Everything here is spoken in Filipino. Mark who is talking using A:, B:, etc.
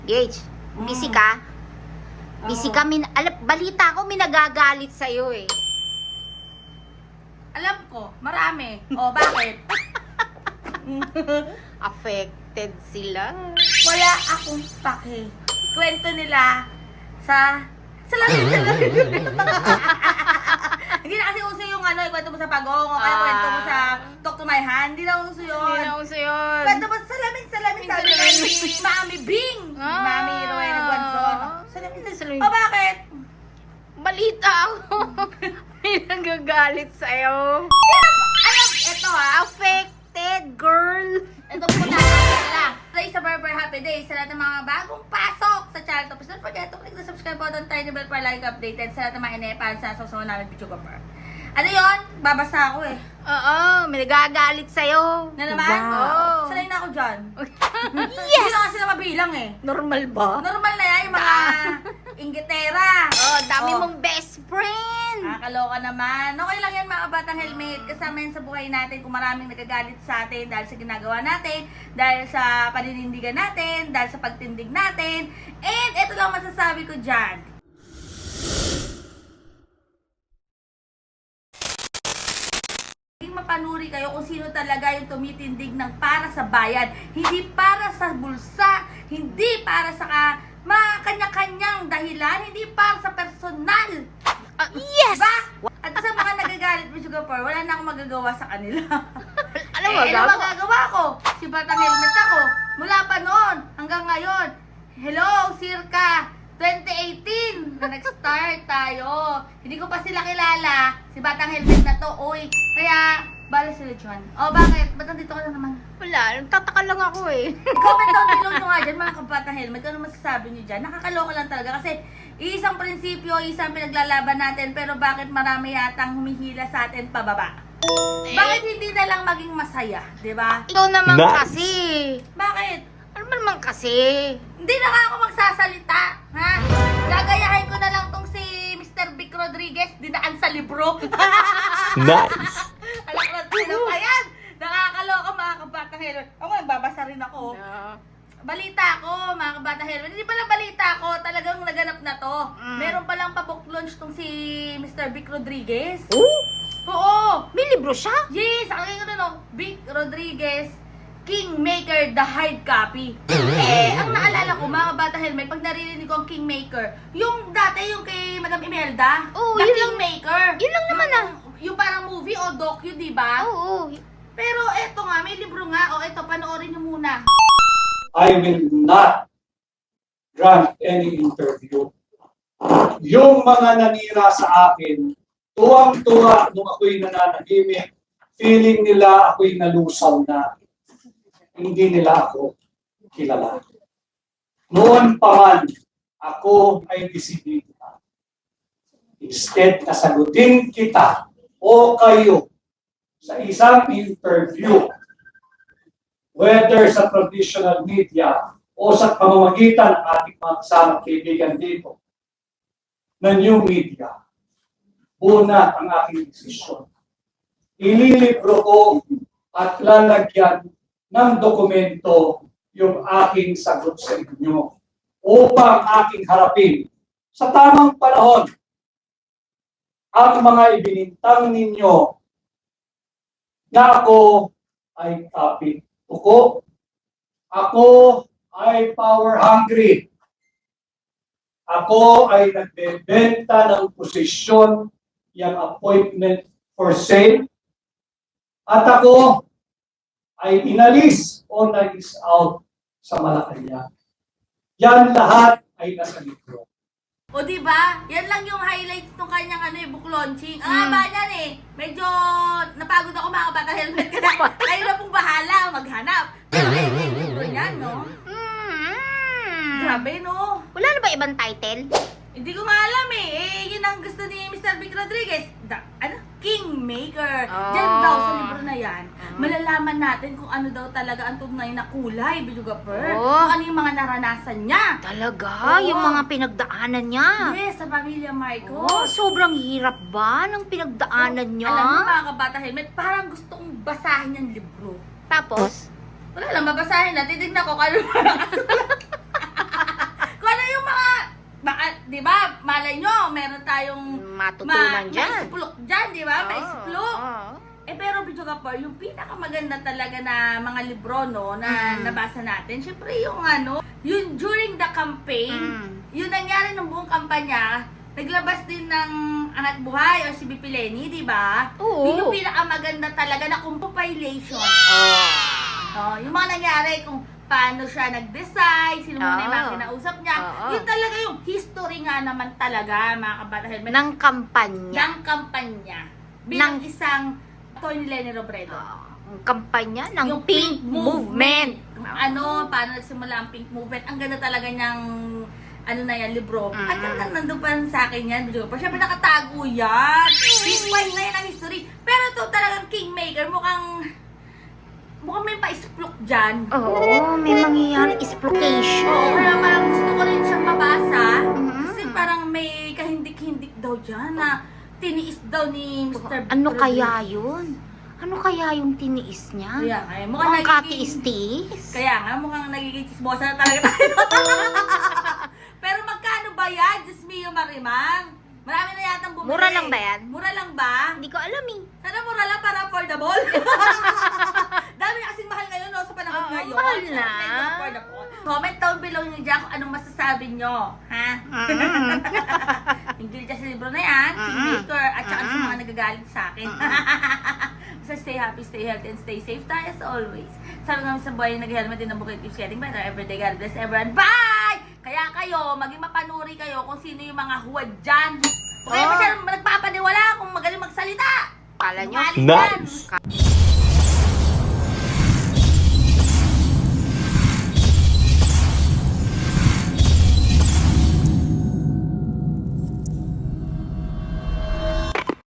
A: Gage, busy ka? Busy ka? Balita ko may nagagalit sa'yo eh.
B: Alam ko, marami. O, bakit?
A: Affected sila.
B: Wala akong pake. Kwento nila sa salamin. Hindi na kasi uso yung kwento mo sa pagong o kaya kwento mo sa talk to my hand. Hindi na uso yun.
A: Hindi na uso yun.
B: Kwento mo sa salamin, sabi ni Mami Bing. Mami Rowena Guanzon. Salamin. O, bakit?
A: Balita ako. May nagagalit sa'yo.
B: Alam, eto ha.
A: Affected, girl.
B: Ito po na. Today sa Barber Happy Day sa lahat ng mga bagong pasok sa channel. Tapos don't forget to click the subscribe button, tiny bell para like updated sa lahat ng mga inepan sa susunod namin video ko pa. Ano yun? Babasa ako eh.
A: Oo, may nagagalit sa'yo.
B: Na naman?
A: Oo.
B: Sanay na ako dyan.
A: Yes!
B: Hindi na kasi na mabilang eh.
A: Normal ba?
B: Normal na yan yung mga inggitera.
A: Oh, dami mong best friend.
B: Nakakaloka naman. Okay lang yan mga batang helmet. Kasama yan sa buhay natin kung maraming nagagalit sa atin dahil sa ginagawa natin, dahil sa paninindigan natin, dahil sa pagtindig natin. And ito lang masasabi ko dyan. Mapanuri kayo kung sino talaga yung tumitindig ng para sa bayan. Hindi para sa bulsa, hindi para sa mga kanya-kanyang dahilan, hindi para sa personal.
A: Yes!
B: Diba? At sa mga nagagalit mo, Sugar Pearl, wala na akong magagawa sa kanila.
A: Ano
B: ano magagawa ko? Si Batang Helmet ako. Mula pa noon hanggang ngayon. Hello, circa 2018 na nag-start tayo. Hindi ko pa sila kilala. Si Batang Helmet na to, oy. Kaya, bala sila dyan. O, bakit? Ba't nandito ka na naman?
A: Wala, nagtataka lang ako eh.
B: Comment down below nyo nga dyan, mga kabatang helmet. Ano masasabi nyo dyan? Nakakaloka lang talaga kasi isang prinsipyo, isang pinaglalaban natin, pero bakit marami yatang humihila sa atin pababa? Bakit hindi na lang maging masaya, di ba?
A: Ikaw naman kasi.
B: Bakit?
A: Ano ba naman kasi?
B: Hindi na nga ako magsasalita, ha? Gagayahin ko na lang tong si Mr. Vic Rodriguez, dinaan sa libro.
C: Nice!
B: Alakrat na pa yan! Nakakaloka mga kabatang helmet. Ako, babasa rin ako.
A: Yeah.
B: Balita ko, mga kabatang helmet. Hindi pala balita ko, talagang naganap na to. Meron palang pa-book launch tong si Mr. Vic Rodriguez. Oo!
A: May libro siya?
B: Yes! Ang ko na no, Vic Rodriguez, Kingmaker, the hard copy. Ang naalala ko, mga kabatang helmet, pag naririnig ko ang Kingmaker, yung dati yung kay Madam Imelda,
A: Oo,
B: the
A: yun lang.
B: Kingmaker.
A: Yun lang naman
B: Yung parang movie o docu, di ba?
A: Oo.
B: Pero eto nga, may libro nga. O eto, panoorin nyo muna.
D: I will not grant any interview. Yung mga nanira sa akin, tuwang-tuwa nung ako'y nananahimik, feeling nila ako'y nalusaw na. Hindi nila ako kilala. Noon pa man, ako ay disiplina. Instead, nasagutin kita o kayo sa isang interview, whether sa traditional media o sa pamamagitan ng ating mga kasamang kaibigan dito, na new media, una ang aking desisyon. Ililibro ko at lalagyan ng dokumento yung aking sagot sa inyo upang aking harapin sa tamang panahon ang mga ibinintang ninyo na ako ay kapit tuko, ako ay power hungry, ako ay nagbebenta ng posisyon, yung appointment for sale, at ako ay inalis o nag-is out sa Malacanang. Yan lahat ay nasa libro.
B: O diba? Yan lang yung highlights ng kanyang book launching. Ang haba niyan eh. Medyo napagod ako mga kabatang helmet. Kayo na pong bahala maghanap. Pero ayun yung libro niyan, no? Grabe, no?
A: Wala na ba ibang title?
B: Hindi ko nga alam eh. Yun ang gusto ni Mr. Vic Rodriguez. Kingmaker. Diyan daw sa libro na yan, malalaman natin kung ano daw talaga ang tunay na kulay, Bidugapur. Kung ano yung mga naranasan niya.
A: Talaga?
B: Oo.
A: Yung mga pinagdaanan niya?
B: Yes, sa pamilya Marcos.
A: Sobrang hirap ba ng pinagdaanan niya?
B: Alam mo mga kabata helmet, parang gusto kong basahin yung libro.
A: Tapos?
B: Wala lang, babasahin na. Titignan ko kung ano parang di ba, malay nyo, meron tayong
A: Matutunan dyan.
B: maisplok dyan, di ba? Maisplok.
A: Oo.
B: Pero Bidyo Kapor, yung pinakamaganda talaga na mga libro, no, na nabasa natin, syempre yung yung during the campaign, yung nangyari ng buong kampanya, naglabas din ng Angat Buhay o si BP Leni, di ba?
A: Oo.
B: Yun yung pinakamaganda talaga na compilation. Yung mga nangyari kung paano siya nag-decide, sino muna yung mga kinausap niya.
A: Oo.
B: Yun talaga yung history nga naman talaga, mga kabata helmet.
A: Ng kampanya.
B: Ng kampanya. Bilang isang Tony Lenny Robredo.
A: Ang kampanya ng
B: Yung
A: Pink Movement.
B: Paano nagsimula ang Pink Movement. Ang ganda talaga niyang na yan, libro. At talagang nandun pa rin sa akin yan. Pero syempre nakatago yan. Pink wine na yan ang history. Pero ito talagang Kingmaker. Mukhang may pa-isplok dyan.
A: Oo, may mangyayari exploitation.
B: Oo, kaya parang gusto ko rin siyang mabasa. Kasi parang may kahindik-hindik daw dyan na tiniis daw ni Mr.
A: Ano
B: Victor
A: kaya
B: Rodriguez.
A: yun? Ano kaya yung tiniis niya?
B: Kaya nga,
A: Mukhang katiis-tiis.
B: Kaya nga, mukhang nagiging chismosa na talaga tayo. Pero magkano ba yan, Diyos mio Marimar? Marami na yatang bumili.
A: Mura lang ba yan?
B: Mura lang ba?
A: Hindi ko alam eh.
B: Sana mura lang para affordable. Dami na kasing mahal ngayon, no, sa panahon
A: Oo,
B: ngayon.
A: mahal na.
B: Medyo affordable. Comment down below nyo dyan kung anong masasabi nyo. Ha? Hinggil dyan sa libro na yan, Kingmaker, at saka sa mga nagagalit sa akin. So stay happy, stay healthy, and stay safe tayo as always. Sabi nga sa buhay, nag-helmet din ang bukid keeps getting better every day. God bless everyone. Bye! Kaya kayo, maging mapanuri kayo kung sino yung mga huwad dyan. Kung kayo masyadong nagpapaniwala kung magaling magsalita.
A: Kala nyo?
B: Sinungaling yan.
C: Nice.